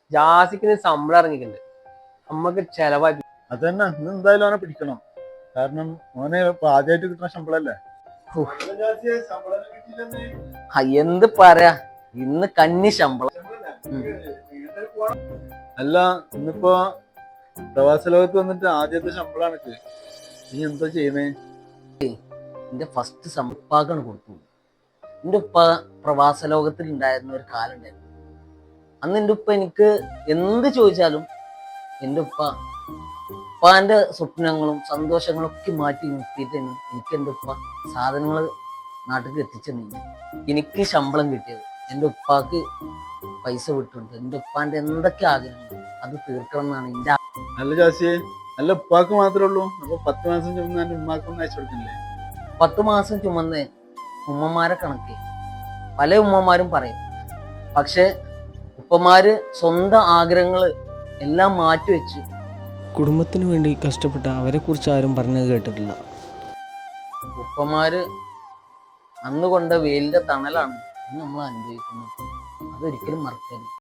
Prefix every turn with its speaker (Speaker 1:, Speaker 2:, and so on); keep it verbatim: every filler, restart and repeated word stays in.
Speaker 1: ജാസിക്കിന് ശമ്പളം ഇറങ്ങിയിട്ടുണ്ട്. നമ്മക്ക് ചെലവായി.
Speaker 2: അതന്നെ ഇന്ന് എന്തായാലും അവനെ പിടിക്കണം. കാരണം ഓനെ ഇപ്പൊ ആദ്യമായിട്ട് കിട്ടുന്ന ശമ്പളല്ലേ.
Speaker 3: എന്ത് പറയാ, ഇന്ന് കന്നി ശമ്പളം.
Speaker 2: അല്ല ഇന്നിപ്പോ പ്രവാസ ലോകത്ത് വന്നിട്ട് ആദ്യത്തെ ശമ്പളമാണ്. നീ എന്താ ചെയ്യുന്നേ?
Speaker 3: എന്റെ ഫസ്റ്റ് ഉപ്പാക്കാണ് കൊടുത്തു. എൻ്റെ ഉപ്പ പ്രവാസ ലോകത്തിൽ ഉണ്ടായിരുന്ന ഒരു കാലം ഉണ്ടായിരുന്നു. അന്ന് എൻ്റെ ഉപ്പ എനിക്ക് എന്ത് ചോദിച്ചാലും എൻ്റെ ഉപ്പ ഉപ്പാന്റെ സ്വപ്നങ്ങളും സന്തോഷങ്ങളും ഒക്കെ മാറ്റി നിർത്തിയിട്ടാണ് എനിക്ക് എൻ്റെ ഉപ്പ സാധനങ്ങൾ നാട്ടിൽ എത്തിച്ചെന്നില്ല. എനിക്ക് ശമ്പളം കിട്ടിയത് എൻ്റെ ഉപ്പാക്ക് പൈസ വിട്ടുണ്ട്. എൻ്റെ ഉപ്പാന്റെ എന്തൊക്കെ ആഗ്രഹങ്ങൾ അത് തീർക്കണം എന്നാണ് എൻ്റെ.
Speaker 2: നല്ല ജാസിയെ, നല്ല ഉപ്പാക്ക് മാത്രമേ ഉള്ളൂ. അപ്പൊ പത്ത് മാസം ചുമന്ന് എന്റെ ഉമ്മാക്കൊന്നും അയച്ചു കൊടുക്കില്ലേ?
Speaker 3: പത്ത് മാസം ചുമന്ന് ഉമ്മമാരെ കണക്ക് പല ഉമ്മമാരും പറയും. പക്ഷെ ഉപ്പമാര് സ്വന്തം ആഗ്രഹങ്ങൾ എല്ലാം മാറ്റിവെച്ച്
Speaker 4: കുടുംബത്തിന് വേണ്ടി കഷ്ടപ്പെട്ട അവരെ കുറിച്ച് ആരും പറഞ്ഞത് കേട്ടിട്ടില്ല.
Speaker 3: ഉപ്പമാര് അന്ന് കൊണ്ട വെയിലിന്റെ തണലാണ് ഇന്ന് നമ്മൾ അനുഭവിക്കുന്നത്. അതൊരിക്കലും മറക്കരുത്.